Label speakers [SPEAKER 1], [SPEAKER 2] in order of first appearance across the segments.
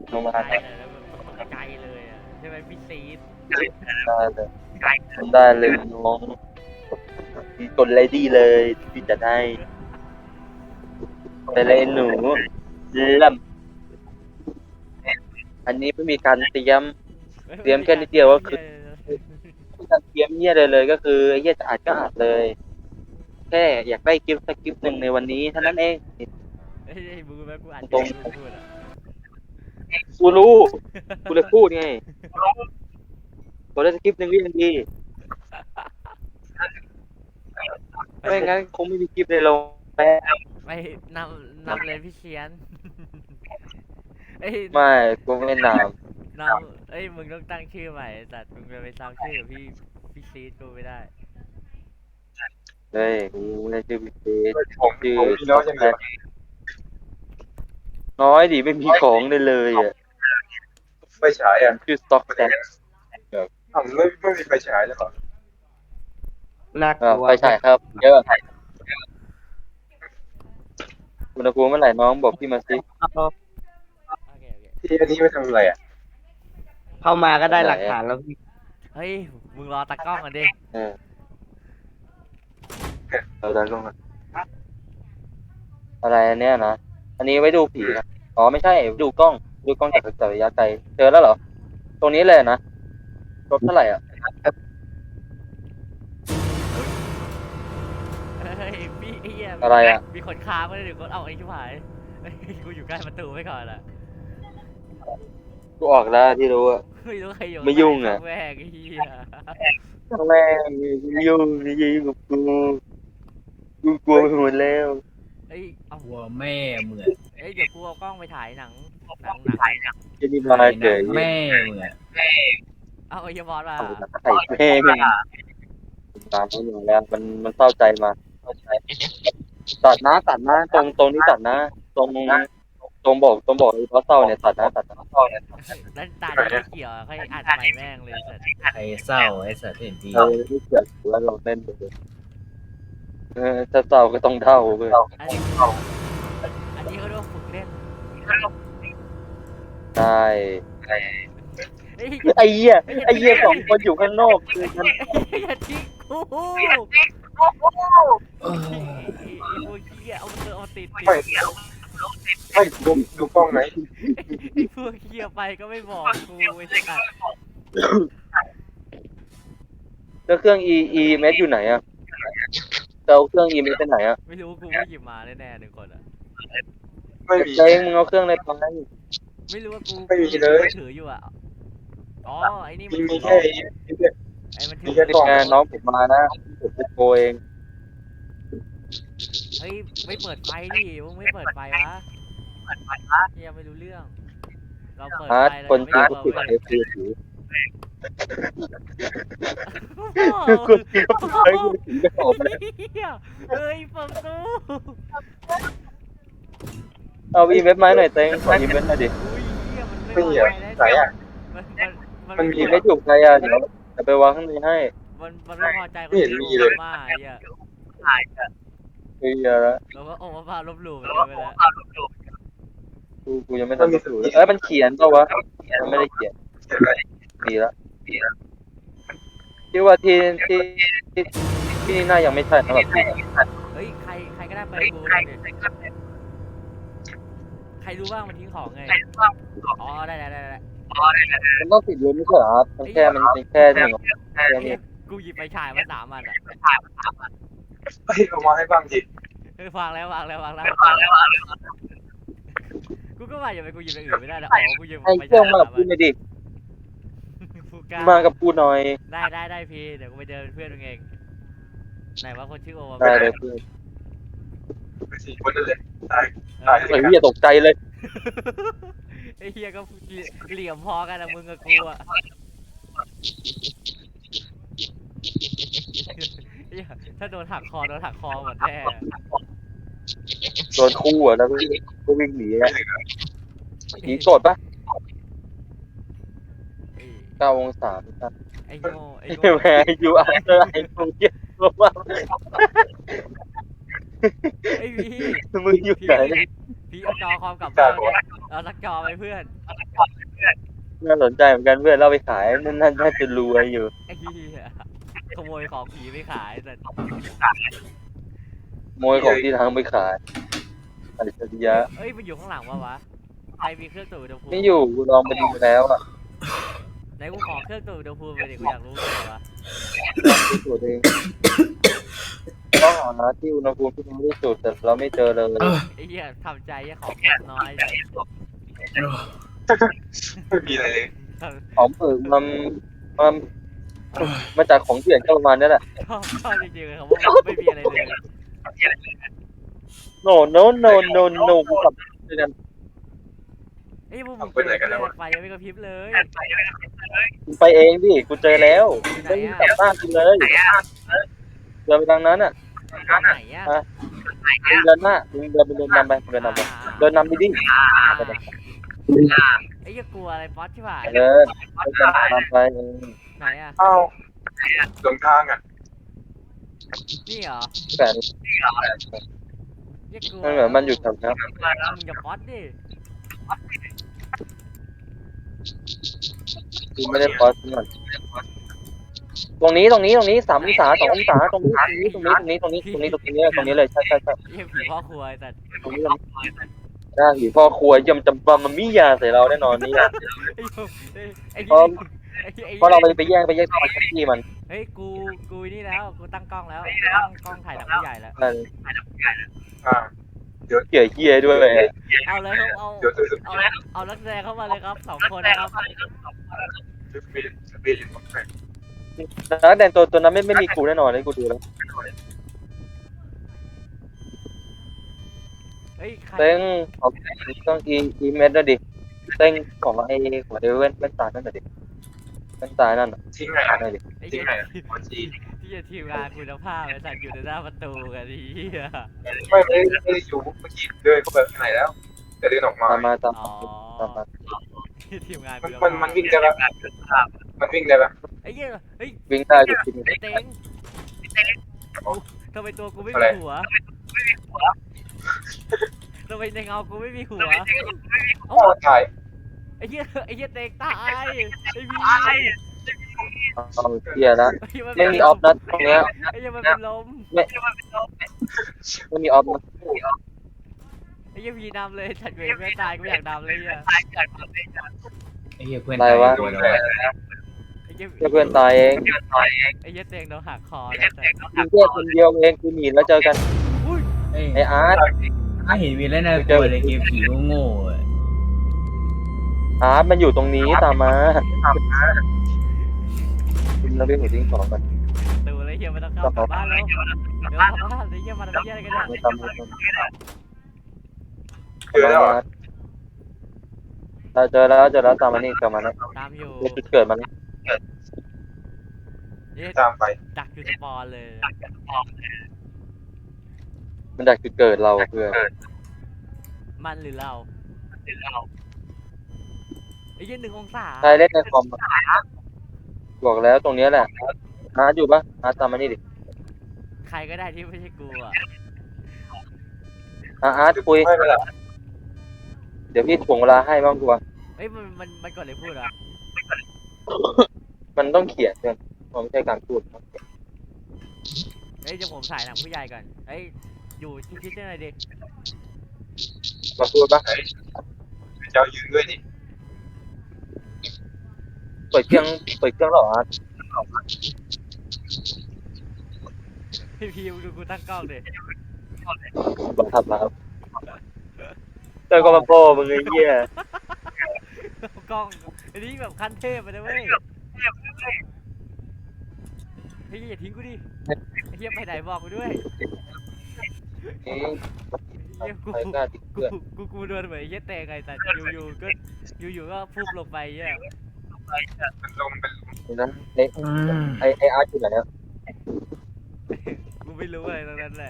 [SPEAKER 1] ลงมา
[SPEAKER 2] ไกล
[SPEAKER 1] ได้
[SPEAKER 2] เลยแล้วมันไกลเลยอ่ะใช่ไหมพี่ซีด
[SPEAKER 1] เลยได้เลยน้องกดเลยดีเลยที่จะได้ไปเลยหนูเริ่มอันนี้ไม่มีการเตรียมแค่นิดเดียวก็คือไม่มีการเตรียมเหี้ยเลยก็คือไอ้เหี้ยจะอัดก็อัดเลยแค่อยากได้คลิปสักคลิปหนึ่งในวันนี้เท่านั้นเอง
[SPEAKER 2] เฮ้ยมึงรู้ไหมกูอ่าน
[SPEAKER 1] ตรง
[SPEAKER 2] ที่มึงพูดอ่ะ
[SPEAKER 1] กูรู้กูเลยพูดไงบอกได้สักคลิปหนึ่งก็ยังดีไม่งั้นคงไม่มีคลิปในลงแล้ว
[SPEAKER 2] ไม่นำเลยพี่เชียนเอ้ย
[SPEAKER 1] ไม่กูไม่นาม
[SPEAKER 2] เอ้ยมึงต้องตั้งชื่อใหม่แต่มึงจะไปซ้ำชื่อพี่ซีดกูไม่ได้
[SPEAKER 1] เลยกูได้ชื่อพิเศษชื่อ
[SPEAKER 3] ผมมีน้อยยังไงวะ
[SPEAKER 1] น้อยดิไม่มีของเลยอ่ะ
[SPEAKER 3] ไฟฉายอ่ะ
[SPEAKER 1] ชื่อสต็อกแซก
[SPEAKER 3] ไม่มีไฟฉายแล้วเหรอ
[SPEAKER 4] น่ากลัว
[SPEAKER 1] ไปฉายครับเยอะอุณหภูมิเมื่อไหร่น้องบอกพี่มาสิ
[SPEAKER 2] โอเค
[SPEAKER 3] ที่อันนี้ไม่ทำอะไรอ่ะ
[SPEAKER 4] เข้ามาก็ได้หลักฐานแล้วพี่
[SPEAKER 2] เฮ้ยมึงรอตากล้องกันดิ
[SPEAKER 1] เออเราได้ลงมาอะไรอันเนี้ยนะอันนี้ไว้ดูผีนะอ๋อไม่ใช่ดูกล้องจากระยะไกลเจอแล้วเหรอตรงนี้เลยนะรถเท่าไหร่อ่ะ
[SPEAKER 2] เฮ้ยพี่ไอ้เหี้ย
[SPEAKER 1] อะไรอ่ะ
[SPEAKER 2] มีคนค้ามาเลยหนึ่งคนเอาไอ้ชิบหายเฮ้ยกูอยู่ใกล้ประตูไว้ก่อนอ่ะ
[SPEAKER 1] กูออกแล้วที่รู้อ่ะ
[SPEAKER 2] ไม่รู้ใครอยู่
[SPEAKER 1] ไม่ยุ่งอะ
[SPEAKER 2] แวกไอ้เหี้ย
[SPEAKER 1] แม่งยุ่งกับกูกลัวไปหมดแล้ว
[SPEAKER 2] เอ้ยเอา
[SPEAKER 5] กลัวแม่เหมือน
[SPEAKER 2] เอ้ยเดี๋ยวกูเอากล้องไปถ่ายหนัง
[SPEAKER 1] จะนี่มาเฉย
[SPEAKER 5] แม่เหมือน
[SPEAKER 2] เอาไอ้เหี้ยบอสมา
[SPEAKER 1] ไข่แม่งตามเขาอยู่แล้วมันเศร้าใจมาตัดนะตรงนี้ตัดนะตรงบอกไอ้เพราะเศร้าเนี่ยตัดนะ
[SPEAKER 2] แล้วตาดีไม่เกี่ยวอะค่อยอัดใหม่แม่งเลยสัตว์
[SPEAKER 5] ไอ้เศร้าไอ้สัตว์เห็นดี
[SPEAKER 1] ไม่เกี่ยวแล้วเราเล่นไปเลยถ้าเศร้าก็ต้องเท่าเว้ย
[SPEAKER 2] อันนี้เขาเรียกว่าฝึกเล่น
[SPEAKER 1] ใช่
[SPEAKER 2] เฮ้ย
[SPEAKER 1] ไอ้เหี้ยสองคนอยู่ข้างนอกคือมัน
[SPEAKER 2] อย่าทิ้งกู
[SPEAKER 5] เออ
[SPEAKER 2] ไอ้พวกเหี้ยเอาติด
[SPEAKER 3] ไม่ดูกล้องไหน
[SPEAKER 2] ไอ้พวกเหี้ยไปก็ไม่บอกกูไอ้สัตว์
[SPEAKER 1] แล้วเครื่อง EMS อยู่ไหนอะจะเอาเครื่อง EMS ไปไหนอะ
[SPEAKER 2] ไม่รู้กูไม่หยิบมาแน่ๆหนึ่งคนอ่ะ
[SPEAKER 3] ไม่มี
[SPEAKER 1] เจ๊งมึงเอาเครื่องอะไรไป
[SPEAKER 2] ไม่รู้ว่ากู
[SPEAKER 3] ไม่มีเลย
[SPEAKER 2] กูถืออยู่อ่ะอ๋อไอ้นี่มัน
[SPEAKER 3] มีแค่
[SPEAKER 2] ไอ้มันถื
[SPEAKER 3] มี
[SPEAKER 2] อ
[SPEAKER 3] แค่กล้อง
[SPEAKER 1] งานน้องผมมานะผมจะโกเอง
[SPEAKER 2] เฮ้ยไม่เปิดไฟดิมึงไม่เปิดไฟวะเฮียไม่รู้เรื่อง เราเปิด
[SPEAKER 1] ฮาร์ด
[SPEAKER 2] ไฟ
[SPEAKER 1] คนจริง
[SPEAKER 2] เรา
[SPEAKER 1] ก็
[SPEAKER 2] ไม่
[SPEAKER 1] ปิด
[SPEAKER 2] เปิด
[SPEAKER 1] ไฟถือ
[SPEAKER 2] เว้ย
[SPEAKER 1] คนจริงก็ปิดไฟถือจะออกเลย
[SPEAKER 2] เฮียเฮ้ยเปิดประตู
[SPEAKER 1] เอา EMS มาหน่อยเต็งขอ EMS หน่อยดิ
[SPEAKER 2] อุ้ยเฮียมัน
[SPEAKER 3] ไม่
[SPEAKER 2] ไม่
[SPEAKER 3] มี
[SPEAKER 2] วาง
[SPEAKER 3] อ่ะ
[SPEAKER 2] ไฟแล้ว
[SPEAKER 3] ไหนอ่ะ
[SPEAKER 2] มัน
[SPEAKER 3] มี
[SPEAKER 1] EMS อยู่ใครอะเดี๋ยวจะไปวางข้างในให้
[SPEAKER 2] มันไม่พอใจ
[SPEAKER 3] ไม่เห็นมีเลย
[SPEAKER 2] มาไอ้เฮีย
[SPEAKER 1] เฮ้ยอะ
[SPEAKER 2] เราก็โอ้มาพาลบหลู่มันไปแล้ว
[SPEAKER 1] กูยังไม่ทันดูเลยมันเขียนเปล่าวะมันไม่ได้เขียนดีแล้วคิดว่าที่นี่น่ายังไม่ใช่สำหรับพี่
[SPEAKER 2] เฮ้ยใครก็ได้เปิดกูหน่อยดิใครรู้บ้างมันทิ้งของไงอ๋อได้
[SPEAKER 1] มันต้องติดเลยไม่ใช่เหรอครับมันแค่หนึ่งแค่นี้
[SPEAKER 2] กูหยิบไปฉายมา3 อันอ่ะ
[SPEAKER 3] เฮ้ยเอามาให้บ้างดิ
[SPEAKER 2] เฮ้ยวางแล้วกูก็ว่าอย่าไปกูหยิบอย่างอื่นไม่ได้นะอ๋อกูหยิบ
[SPEAKER 1] ไอ้
[SPEAKER 2] ไป
[SPEAKER 1] เครื่
[SPEAKER 2] ฉา
[SPEAKER 1] อง
[SPEAKER 2] ย
[SPEAKER 1] มา
[SPEAKER 2] มา
[SPEAKER 1] กับกูหน่อยดิ
[SPEAKER 2] ฟูก้า
[SPEAKER 1] มากับกูหน่อย
[SPEAKER 2] ได้พี่เดี๋ยวกูไปเดินเป็นเพื่อนมึงเองไหนว่าคนชื่อโอมา
[SPEAKER 1] ได้เลยเพื่อน
[SPEAKER 3] ไปสี่คนนั่นเลยตาย
[SPEAKER 2] เออ
[SPEAKER 1] ไอ้เหี้ยตกใจเลย
[SPEAKER 2] ไอ้เฮียก็เหลี่ยมพอกันนะมึงกับกูอ่ะเหี้ยถ้าโดนหักคอหมดแน่
[SPEAKER 1] โดนคู่อ่ะแล้วก็วิ่งหนีอ่ะหนีโกรธปะ9 องศาครับ
[SPEAKER 2] ไอ้โง่
[SPEAKER 1] แม่ยูอาร์เตอร์ไอ้พวกเหี้ยว่า
[SPEAKER 2] ไอ้พี่
[SPEAKER 1] มึงอยู่ไหน
[SPEAKER 2] พี่เอาจอคอมกลับบ้านเนี่ยเอาสักจอไปเพื่อน
[SPEAKER 1] น่าสนใจเหมือนกันเพื่อนเราไปขายน่าจะรวยอยู่
[SPEAKER 2] ไอ้เหี้ยขโมยของผีไปขายแต่
[SPEAKER 1] ขโมยของที่ทางไปขายอะไรจะดียะ
[SPEAKER 2] เอ้ยมันอยู่ข้างหลังวะใครมีเครื่องตรวจอุณหภูมิ
[SPEAKER 1] ไม่อยู่กูลองไปดูแล้วอ่ะ
[SPEAKER 2] ไหนกูขอเครื่องตรวจอุณหภูมิไปดิกูอยากรู้เลยวะ
[SPEAKER 1] ลองดูตัวเองต้องหาที่อุณหภูมิที่มันไม่สุดแต่เราไม่เจอเลย
[SPEAKER 2] ไอ้เหี้ยทำใจไอ้ของงบน้อยเลย
[SPEAKER 3] ไม่มีอะไรเลย
[SPEAKER 1] ของเปิดมันมาจากของเถื่อนก็ประมาณนี้แหละ
[SPEAKER 2] ชอบจริงๆเลยครับว่าไม่มีอะไรเลย
[SPEAKER 1] no กูกลับด้วยกัน
[SPEAKER 2] ไอ้พวกมึงไฟยังไม่กระพริบเลย
[SPEAKER 1] กูไปเองดิกูเจอแล้ว
[SPEAKER 2] อยู่ไหน
[SPEAKER 1] ไม่
[SPEAKER 2] อะ
[SPEAKER 1] กลับบ้านกูเลยเดินไปทางนั้นอ่ะ
[SPEAKER 2] ไหนอะ
[SPEAKER 1] มึงเดินหน้ามึงเดินไปเดินนำไปเดินนำไปเดินนำไปดิ
[SPEAKER 2] ไอ้เหี้ยกลัวอะไรป๊อตใช่ป่ะ
[SPEAKER 1] เดินนำไป
[SPEAKER 2] ไหนอะ
[SPEAKER 3] เอ้าหลงทางอ่ะ
[SPEAKER 2] นี่เหรอ
[SPEAKER 1] แต่
[SPEAKER 2] เหี้ยกลัว
[SPEAKER 1] มันเหมือนมันอยู่แถวนั้น
[SPEAKER 2] มึงอย่าป๊อตดิ
[SPEAKER 1] กูไม่ได้พอสมันตรงนี้3 องศา2 องศาตรงนี้เลยใช่
[SPEAKER 2] เหี้ยผีพ่อครัวไอ้สัตว์
[SPEAKER 1] ตรงนี้ได้ผีพ่อครัวย่ำจำมันมียาใส่เราแน่นอนนี่
[SPEAKER 2] ไอ้
[SPEAKER 1] เพราะ
[SPEAKER 2] ไอ้
[SPEAKER 1] เพราะเราไปแย่งตอนที่มัน
[SPEAKER 2] เฮ้ยกูนี่แล้วกูตั้งกล้องแล้วตั้งกล้องถ่ายหนังผู้ใหญ่แล้ว
[SPEAKER 3] อ่า
[SPEAKER 1] เกี่ยด้วย
[SPEAKER 2] เอาเลยครับเอา
[SPEAKER 3] เดี๋ยวจะส
[SPEAKER 2] เอานักแสดงเข้ามาเลยครับ2 คนนะครับ
[SPEAKER 3] ปีดแปลก
[SPEAKER 1] นักแดนตัวนั้นไม่มีกูแน่นอนเลยกูดูแล้ว
[SPEAKER 2] เฮ้ยใคร
[SPEAKER 1] เต้งของต้องอีเมสด้วยดิเต้งของไอ้หัวเดวิลเว้นตานั่นน่ะดิเว้นตานั่นน่ะ
[SPEAKER 3] ทิ้งไงอ่ะ
[SPEAKER 1] นั่นดิ
[SPEAKER 2] ไอ้
[SPEAKER 3] ทิ้
[SPEAKER 2] เหี้
[SPEAKER 3] ง
[SPEAKER 2] ย
[SPEAKER 3] ไงอ่ะจี
[SPEAKER 2] ที่จะทีมงานคุณภาพไอ้สัตว์อยู่ในหน้าประตูกันดีเหี้ย
[SPEAKER 3] ไม่ได้อยู่เมื่อกี้เดินเข้าไปข้างในแล้ว แต่เดินออกมา
[SPEAKER 1] ตาม
[SPEAKER 2] อ๋อ
[SPEAKER 1] มา
[SPEAKER 2] ที่ทีมงาน
[SPEAKER 3] มันวิ่งได้ปะมันวิ่งได้ปะ
[SPEAKER 2] ไอ้เหี้ยเฮ้ย
[SPEAKER 1] วิ่งได้ดิ
[SPEAKER 2] ไอ้เต็งทำไมตัวกูไม่มีหัวทำไมในเงากูไม่มีหัว
[SPEAKER 3] โอ้ถ่าย
[SPEAKER 2] ไอ้เหี้ยเต็งตายไอ้พี่
[SPEAKER 1] เอาเกียร์ละไม่มีออฟนะตรงเนี้ย
[SPEAKER 2] ไอ้เหี้ยมันเป็นลม
[SPEAKER 1] ไม่มีออฟนะ
[SPEAKER 2] ไอ้เหี้ยพี่นำเลยฉันเวรไม่ตายกูอยากนำเลยอ่ะ
[SPEAKER 5] ไอ้เหี้ยเพื่อนตายตัวแล้ว
[SPEAKER 2] ไอ้เหี้ย
[SPEAKER 1] เพื่อนตายเอง
[SPEAKER 2] ไอ้เหี้ยเต็งโดนหักคอแล้วแต่
[SPEAKER 1] กูแค่คนเดียวเองกูหนีแล้วเจอกัน
[SPEAKER 2] อุ้ย
[SPEAKER 1] ไออาร์ต
[SPEAKER 5] ไม่เห็นมีแล้วนะกลัวเลยเกมผีโง่ๆอะ
[SPEAKER 1] อาร์ตมันอยู่ตรงนี้ตามมาคุณเราไปหัวทิ้งของกัน
[SPEAKER 2] ดูเลยเหี้ยมันต้องเข้ากลับบ้านแล้วเดี๋ยวกลับบ้านไอ้เหี้ยมันทำเหี้ยอะไรกันเนี่ย
[SPEAKER 1] ไม่ตามมา
[SPEAKER 3] เจอแล้ว
[SPEAKER 1] เราเจอแล้วตามมานี่กลับมานะ
[SPEAKER 2] ตามอยู่
[SPEAKER 1] จุดเกิดมัน
[SPEAKER 2] เอ๊ะ
[SPEAKER 3] ตามไป
[SPEAKER 2] ดักอยู่สปอนเลย
[SPEAKER 1] มันดักจุดเกิดเราเพื่อน
[SPEAKER 2] มันหรือเราไอ้เหี้ย1 องศา
[SPEAKER 1] ใครเล่นในคอมบอกแล้วตรงนี้แหละอาร์ตอยู่ปะอาร์ตตามมานี่ดิ
[SPEAKER 2] ใครก็ได้ที่ไม่ใช่กูอ่ะ
[SPEAKER 1] อาร์ตคุย
[SPEAKER 3] ไม่เป็นไร
[SPEAKER 1] เดี๋ยวพี่ถ่วงเวลาให้บ้างกูว่า
[SPEAKER 2] เอ้ยมันกดอะไรพูดอ่ะ
[SPEAKER 1] มันต้องเขียนเพื่อนมันไม่ใช่การพูด
[SPEAKER 2] เอ้ยเดี๋ยวผมถ่ายหนังผู้ใหญ่ก่อนเอ้ยอยู่ชิดๆได้หน่อยดิ
[SPEAKER 1] มาพูดปะ
[SPEAKER 3] เจ้ายืนด้วยดิ
[SPEAKER 1] เปิดเครื่องหรออาร์ต
[SPEAKER 2] พี่ดูกูตั้งกล้องดิ
[SPEAKER 1] บังคับมาครับเจอก็มาโป้มึงไอ้เหี้ย
[SPEAKER 2] กล้องอันนี้แบบขั้นเทพไปเลยเว้ยเฮ้ยอย่าทิ้งกูดิไอ้เหี้ยไปไหนบอกกูด้วย
[SPEAKER 1] เอ๊ะ
[SPEAKER 2] เหี้ยกู
[SPEAKER 1] ใครกล้าติดเพื่อน
[SPEAKER 2] กูโดนเหมือนไอ้เหี้ยเตะไงแต่อยู่ก็พุ่งลงไปเหี้ย
[SPEAKER 3] เป็นลมเป็น
[SPEAKER 1] นี่นะไออาร์ตอยู่ไหนอะ
[SPEAKER 2] กูไม่รู้อะไรตรงนั้นแหละ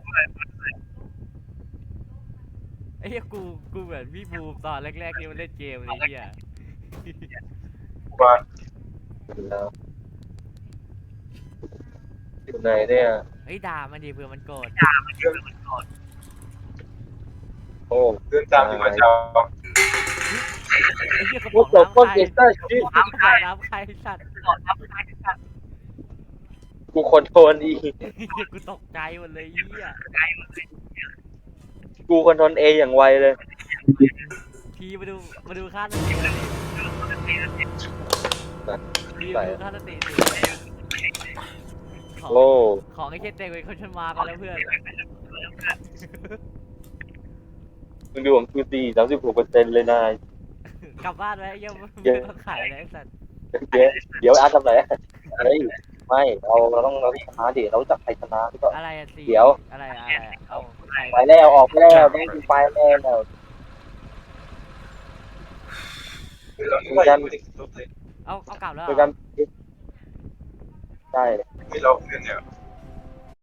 [SPEAKER 2] ไอ้เหี้ยกูเหมือนพี่บูมตอนแรกๆที่มันเล่นเกมเลยเหี้ย
[SPEAKER 3] ว่า
[SPEAKER 1] แล้วอยู่ไหนเนี่ย
[SPEAKER 2] เฮ้ยด่ามันดิเผื่อมันโกรธ
[SPEAKER 1] โอ้
[SPEAKER 3] เดินตามอยู่กับเจ้า
[SPEAKER 2] ไอ้เหี้ยกระ
[SPEAKER 1] พู
[SPEAKER 2] ป๋
[SPEAKER 1] ด
[SPEAKER 2] อง
[SPEAKER 1] จบ
[SPEAKER 2] น้ำ
[SPEAKER 1] ก็
[SPEAKER 2] ใคร
[SPEAKER 1] เกสเตอร์
[SPEAKER 2] กระป๋องน้ำใครสัตว์
[SPEAKER 1] กูคอนโทรลอี
[SPEAKER 2] เหี้ยกูตกใจหมดเลยเหี้ย
[SPEAKER 1] กูคอนโทรลเออย่างไวเลย
[SPEAKER 2] ทีมาดูค่าสติดิทีมาดูค่าสติดิของ
[SPEAKER 1] โอ้
[SPEAKER 2] ของไอ้เช่นเด็กเป็นคนชนมากันแล้วเพื่อน
[SPEAKER 1] มึงดูของกูดี36%เลยนาย
[SPEAKER 2] กลับบ้านไว้ยังไม่ต้องขายอะไรไอ้สัตว์
[SPEAKER 1] เดี๋ยวอาร์ตทำไรเฮ้ยไม่เราต้องชนะดิเราจับใครชนะดีกว่า
[SPEAKER 2] อะไรอะสี
[SPEAKER 1] เดี๋ยว
[SPEAKER 2] อะไรเอาใคร
[SPEAKER 1] ไปแล้วออกไปแล้วไม่มีไฟแล้ว
[SPEAKER 3] เราไม่ได้ไม่ได้รถเลย
[SPEAKER 2] เอากลับแล้ว
[SPEAKER 1] เจอ
[SPEAKER 2] เหร
[SPEAKER 1] กั
[SPEAKER 2] อน
[SPEAKER 1] ใช่
[SPEAKER 3] ไม่เราเพื่อนเนี่ย